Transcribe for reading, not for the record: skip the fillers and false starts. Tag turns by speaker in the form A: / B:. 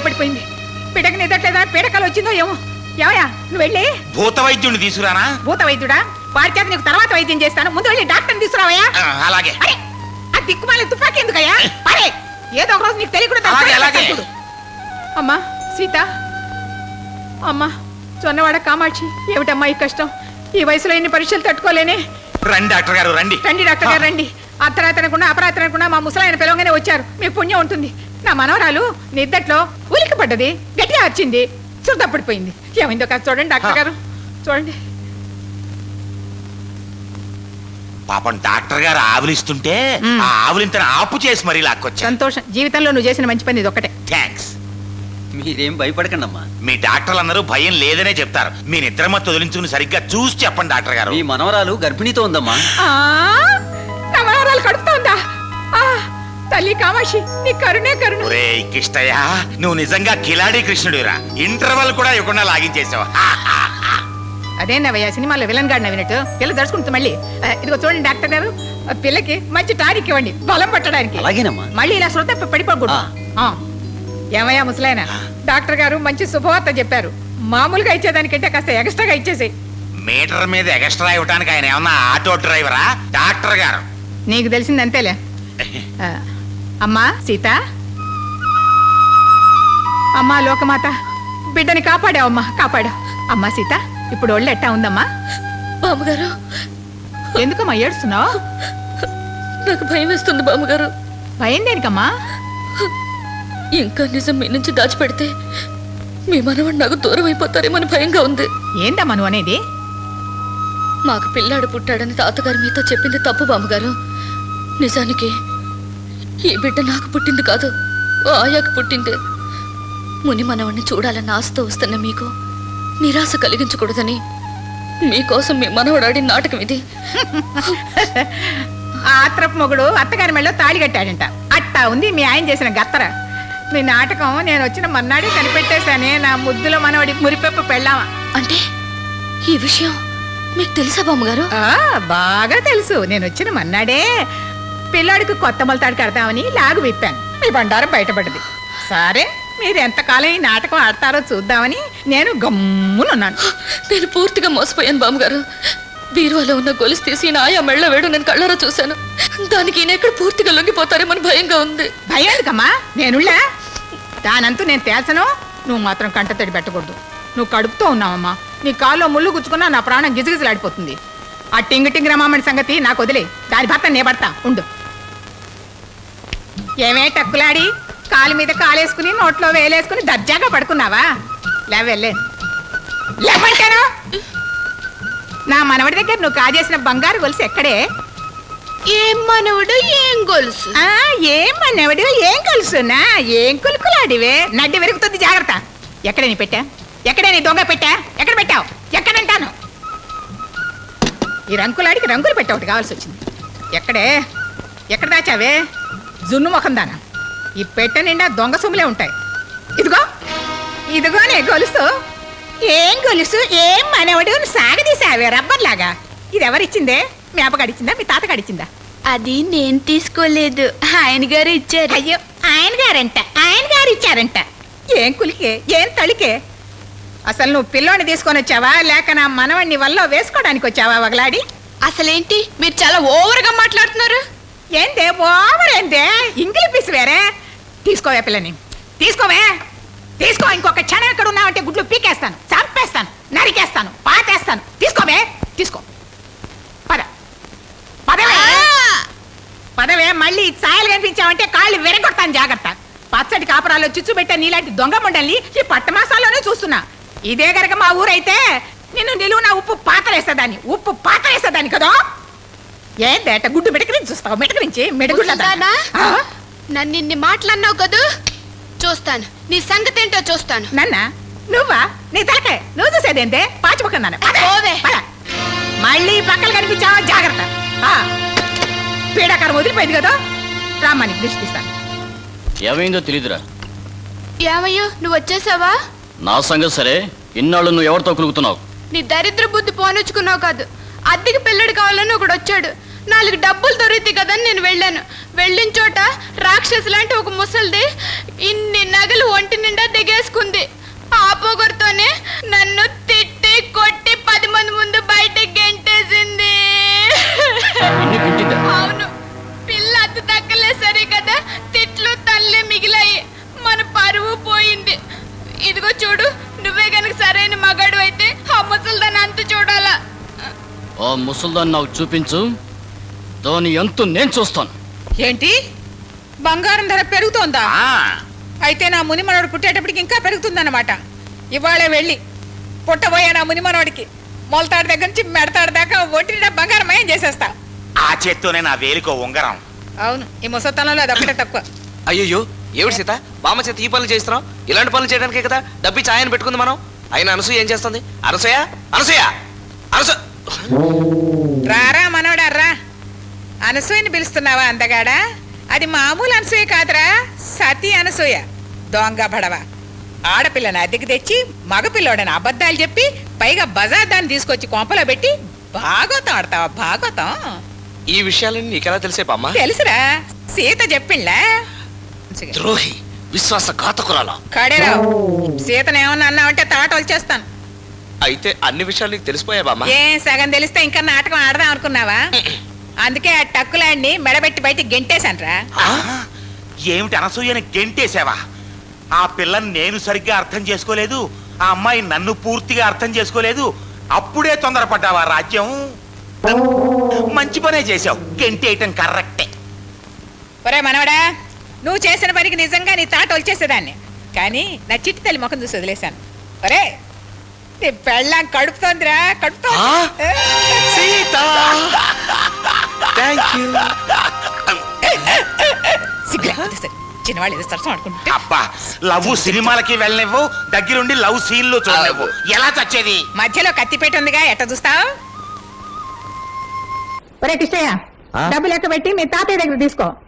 A: పడిపోయింది. పిడక నిదట్లేదా పీడకలు వచ్చిందో ఏమో. ఏమయ్యా నువ్వు వెళ్ళి
B: భూత వైద్యుడిని తీసుకురానా?
A: భూత వైద్యుడా? వాడి చేత నీకు తర్వాత వైద్యం చేస్తాను. ముందు వెళ్ళి డాక్టర్ని తీసుకురావయ్యా.
B: అలాగే.
A: అరే ఆ దిక్కుమాలి తుపాకీ ఎందుకయ్యా? అరే ఏదో ఒక రోజు నీకు తెలియకుండా. అమ్మా సీత, అమ్మా చొన్నవాడ కామాక్షి, ఏమిటమ్మా ఈ కష్టం? ఈ వయసులో ఎన్ని పరీక్షలు తట్టుకోలేనే.
B: రండి డాక్టర్ గారు, రండి
A: రండి డాక్టర్ గారు రండి. అర్ధరాత్రి అనకుండా అపరాత్రి అనకుండా మా ముసలాయన పిలవగానే వచ్చారు. మీకు పుణ్యం ఉంటుంది. నా మనవరాలు నిద్దట్లో ఉలికి పడ్డది, గట్టిగా వచ్చింది, చుట్టపడిపోయింది. ఏమైందో కాదు చూడండి డాక్టర్ గారు, చూడండి.
B: పాపం డాక్టర్ గారు ఆవులిస్తుంటే ఆ ఆవులింతను ఆపు చేసి మరీ లాక్కొచ్చా.
A: సంతోషం. జీవితంలో నువ్వు చేసిన మంచి పని ఇది ఒకటే.
B: థ్యాంక్స్.
C: మీరేం భయపడకండి అమ్మా.
B: మీ డాక్టర్లు అందరూ భయం లేదనే చెప్తారు. మీ నిద్రమత్తు వదిలించుకుని సరిగ్గా చూసి చెప్పండి డాక్టర్ గారు.
C: మీ మనవరాలు గర్భిణీతో ఉందమ్మా.
A: నా మనవరాలు కడుపుతా ఉందా? తల్లి కామాక్షి నీ కరుణే కరుణ.
B: ఒరే కిష్టయ్య, నువ్వు నిజంగా కిలాడి కృష్ణుడిరా. ఇంటర్వల్ కూడా ఇవ్వకుండా లాగించేసావు.
A: అదేనవయ్యా సినిమాలో విలన్ గాడు నవ్వినట్టు. పిల్ల దడుచుకుంటుంది మళ్ళీ. ఇదిగో చూడండి డాక్టర్ గారు, పిల్లకి మంచి టానిక్ ఇవ్వండి బలం పట్టడానికి.
C: అలాగేనమ్మా.
A: మళ్ళీ ఇలా శ్రద్ధ పడిపోకూడదు. ఏమయ్యా ముసలాయన, డాక్టర్ గారు మంచి శుభవార్త చెప్పారు. మామూలుగా ఇచ్చేదానికంటే కాస్త ఎక్స్ట్రాగా ఇచ్చేసేయ్.
B: మీటర్ మీద ఎక్స్ట్రా ఇవ్వడానికి ఆయన ఏమన్నా ఆటో డ్రైవరా? డాక్టర్ గారు.
A: నీకు తెలిసింది అంతేలే. అమ్మా సీత, అమ్మా లోకమాత, బిడ్డని కాపాడావమ్మా, కాపాడావు. అమ్మా సీత, ఇప్పుడు ఒళ్ళు ఎట్టా ఉందమ్మా?
D: బామ్మగారు,
A: ఎందుకమ్మా ఏడుస్తున్నావు?
D: నాకు భయం వేస్తుంది బామ్మగారు.
A: భయం దేనికమ్మా?
D: ఇంకా నిజం మీ నుంచి దాచిపెడితే మీ మనవాడు నాకు దూరం అయిపోతారేమని భయంగా ఉంది.
A: ఏందమ్మా నువ్వు అనేది?
D: మాకు పిల్లాడు పుట్టాడని తాతగారు మీతో చెప్పింది తప్పు బామ్మగారు. నిజానికి ఈ బిడ్డ నాకు పుట్టింది కాదు, ఆయాకు పుట్టింది. ముని మనవాడిని చూడాలన్న ఆశతో వస్తున్న మీకు నిరాశ కలిగించకూడదని మీకోసం మీ మనవడాడి నాటకం ఇది.
A: ఆత్రపు మొగుడు అత్తగారి మెళ్ళలో తాళి కట్టాడంట. అట్టా ఉంది మీ ఆయన చేసిన గత్తర. మీ నాటకం నేను వచ్చిన మన్నాడే కనిపెట్టేశానే. నా ముద్దులో మనవడి మురిపెప్పు పెళ్ళామా.
D: అంటే ఈ విషయం మీకు తెలుసా బామ్మగారు?
A: బాగా తెలుసు. నేను వచ్చిన మన్నాడే పిల్లాడికి కొత్త మొలతాడు కడతామని లాగు విప్పాను. మీ బండారం బయటపడ్డది. సరే మీరు ఎంతకాలం ఈ నాటకం ఆడతారో చూద్దామని నేను గమ్మునున్నాను.
D: నేను పూర్తిగా మోసపోయాను బామ్మగారు. బీరువాలో ఉన్న గొలుసు తీసి ఆయా మెళ్ళ వేడు నేను కళ్ళారా చూశాను. దానికి ఈయన ఎక్కడ పూర్తిగా లొంగిపోతారేమని భయంగా ఉంది.
A: భయం ఎందుకమ్మా? నేనుళ్ళా? దానంతూ నేను తేల్చను. నువ్వు మాత్రం కంటతడి పెట్టకూడదు. నువ్వు కడుపుతో ఉన్నావమ్మా. నీ కాల్లో ముళ్ళు గుచ్చుకున్నా నా ప్రాణం గిజగిజలాడిపోతుంది. ఆ టింగ్ రమామణి సంగతి నాకు వదిలే. దాని భర్త నే పడతా ఉండు. ఏమే టక్కులాడి కాలు మీద కాలేసుకుని నోట్లో వేలేసుకుని దర్జాగా పడుకున్నావా? లేవెళ్ళే లేవంటాను. నా మనవడి దగ్గర నువ్వు కాజేసిన బంగారు గొలుసు ఎక్కడే?
D: ఏం మనవడు ఏం గొలుసు?
A: ఏం మనవడు ఏం గొలుసునా? ఏం కులుకులాడివే? నడ్డి విరుగుతుంది, జాగ్రత్త. ఎక్కడే నీ పెట్టా? ఎక్కడే నీ దొంగ పెట్టా? ఎక్కడ పెట్టావు? ఎక్కడంటాను? ఈ రంకులాడికి రంగులు పెట్టా ఒకటి కావాల్సి వచ్చింది. ఎక్కడే? ఎక్కడ దాచావే? జున్ను ముఖం దానా. ఈ పెట్ట నిండా దొంగ సొమ్ములే ఉంటాయి. ఇదిగో ఇదిగోనే గొలుసు. ఏం గొలుసు ఏం మనవడు సాగదీసావే రబ్బర్లాగా. ఇది ఎవరిచ్చిందే? మీ అబ్బ గడిచిందా, మీ తాత గడిచిందా?
D: అది నేను తీసుకోలేదు, ఆయన గారు ఇచ్చారు.
A: అయ్యో, ఆయన గారు ఇచ్చారంట. ఏం కులికే ఏం తళికే? అసలు నువ్వు పిల్లోని తీసుకొని వచ్చావా లేక నా మనవణ్ణి వల్ల వేసుకోవడానికి వచ్చావా వగలాడి?
D: అసలేంటి మీరు చాలా ఓవర్గా మాట్లాడుతున్నారు.
A: ఏందే ఓవర్? ఏందే ఇంగిలి పీసు వేరే? తీసుకోవే పిల్లని, తీసుకోవే, తీసుకో. ఇంకొక క్షణం ఎక్కడ ఉన్నావంటే గుడ్లు పీకేస్తాను, చంపేస్తాను, నరికేస్తాను, పాతేస్తాను. తీసుకోవే, తీసుకో. పద పదవే, పదవే. మళ్ళీ ఛాయలు కనిపించావంటే కాళ్ళు విరగొడతాను, జాగ్రత్త. పచ్చడి కాపురాల్లో చిచ్చు పెట్టే నీలాంటి దొంగ ముండల్ని ఈ పట్టమాసాల్లోనే చూస్తున్నా. ఇదే గనక మా ఊరైతే నిన్ను నిలువున ఉప్పు పాతరేసేదాన్ని కదా. ఏందేట గుడ్డు మిడకరించి చూస్తావు? మిడకరించి మిడగుడ్లదానా?
D: నన్ను ఇన్ని మాటలన్నావు కదూ, చూస్తాను నీ సంగతి ఏంటో చూస్తాను.
A: నన్న నువ్వా? నీ తలకే నువ్వు చూసేదేంటే? పాచిపోకున్నాను. మళ్ళీ పక్కలు కనిపించావా, జాగ్రత్త. పీడాకారం వదిలిపోయింది కదా. రామ్మని దృష్టి తీస్తాను.
E: ఏమైందో తెలీదురా.
D: ఏమయ్యో నువ్వు వచ్చేసావా?
E: నా సంగతి సరే, ఇన్నాళ్ళు నువ్వు ఎవరితో కులుగుతున్నావు?
D: నీ దరిద్ర బుద్ధి పోనొచ్చుకున్నావు కాదు. అద్దెకి పిల్లడు కావాలని ఒకడు వచ్చాడు. 4 డబ్బులు దొరికితే కదని నేను వెళ్ళాను. వెళ్ళిన చోట రాక్షసు లాంటి ఒక ముసలిది ఇన్ని నగలు ఒంటి నిండా తెగేసుకుంది. ఆ పొగరుతోనే నన్ను తిట్టి కొట్టి 10 మంది ముందు బయటకి గెంటేసింది.
E: నిన్ను గిట్టిందా?
D: అవును, పిల్ల అత్త దక్కలే సరే కదా, తిట్లు తల్లే మిగిలాయి, మన పరువు పోయింది. ఇదిగో చూడు, నువ్వే గనక సరైన మగాడు అయితే ఆ ముసల్దాన్ని అంత చూడాలా.
E: ఆ ముసల్దాన్ని నాకు చూపించు, దాని ఎంత నేను చూస్తాను.
A: ఏంటి బంగారం ధర పెరుగుతోందా?
B: ఆ,
A: అయితే నా ముని మనవడు పుట్టేటప్పటికి ఇంకా పెరుగుతుందన్నమాట. ఇవాళే వెళ్ళి పుట్టబోయే నా ముని మనవడికి మొలతాడు దగ్గర నుంచి మెడతాడు దాకా ఒంటి నిండా బంగారం మయం చేసేస్తా.
B: ఆ చేత్తోనే నా వేలికో ఉంగరం.
A: అవును, ఈ ముసతనంలో అది ఒకటే తక్కువ.
F: అయ్యో ఏమిటి సీత, బామ్మ చేత ఈ పనులు చేస్తున్నాం? ఇలాంటి పనులు చేయడానికే కదా డబ్బి ఛాయని పెట్టుకుంది మనం. అయినా అనసూయ ఏం చేస్తుంది? అనసూయ అనసూయ అనసూ
A: రారా మనవడా రా. అనసూయని పిలుస్తున్నావా అందగాడా? అది మామూలు అనసూయ కాదురా, సతీ అనసూయ. దొంగ బడవ ఆడపిల్లని అద్దెకి తెచ్చి మగపిల్లోడని అబద్ధాలు చెప్పి పైగా బజార్ దాన్ని తీసుకొచ్చి కొంపలో పెట్టి భాగవతం ఆడతావా? భాగవతం
F: ఈ విషయాలన్నీ నీకెలా తెలిసే బామ్మ?
A: తెలుసురా, సీత చెప్పిండ్లా.
F: ద్రోహి, విశ్వాసఘాతకురాలా.
A: కడేరావు, సీతను ఏమన్నా అన్నావంటే తాట వచ్చేస్తాను.
F: అయితే అన్ని విషయాలు నీకు తెలిసిపోయా బామ్మ?
A: ఏ సగం తెలిస్తే ఇంకా నాటకం ఆడదాం అనుకున్నావా? అందుకే ఆ టక్కులాడిని మెడబెట్టి బయట గెంటేశాన్రా.
B: ఆ, ఏమిటి అనసూయని గెంటేసావా? ఆ పిల్లని నేను సరిగ్గా అర్థం చేసుకోలేదు, ఆ అమ్మాయి నన్ను పూర్తిగా అర్థం చేసుకోలేదు. అప్పుడే తొందరపడ్డావా రాజ్యం? మంచి పనే చేసావు, గెంటేయటం కరెక్టే.
A: ఒరే మనవడా, నువ్వు చేసిన పనికి నిజంగా నీ తాట వచ్చేసేదాన్ని, కానీ నా చిట్టి తల్లి ముఖం చూసి వదిలేశాను. ఒరే నీ పెళ్ళాం కడుపుతోందిరా, కడుపుతోంది.
F: Sita thank you.
A: సిగ్గులేకపోతే సరే, చిన్నవాళ్ళు ఏదో సరసం ఆడుకుంటే.
B: అబ్బా, లవ్ సినిమాలకి వెళ్ళనివ్వు, దగ్గరుండి లవ్ సీన్లు చూడనివ్వు. ఎలా చచ్చేది?
A: మధ్యలో కత్తిపేట ఉందిగా, ఎట్ట చూస్తావు? ఒరే కిష్టయ్య, డబ్బు లెక్క పెట్టి మీ తాతయ్య దగ్గర తీసుకో.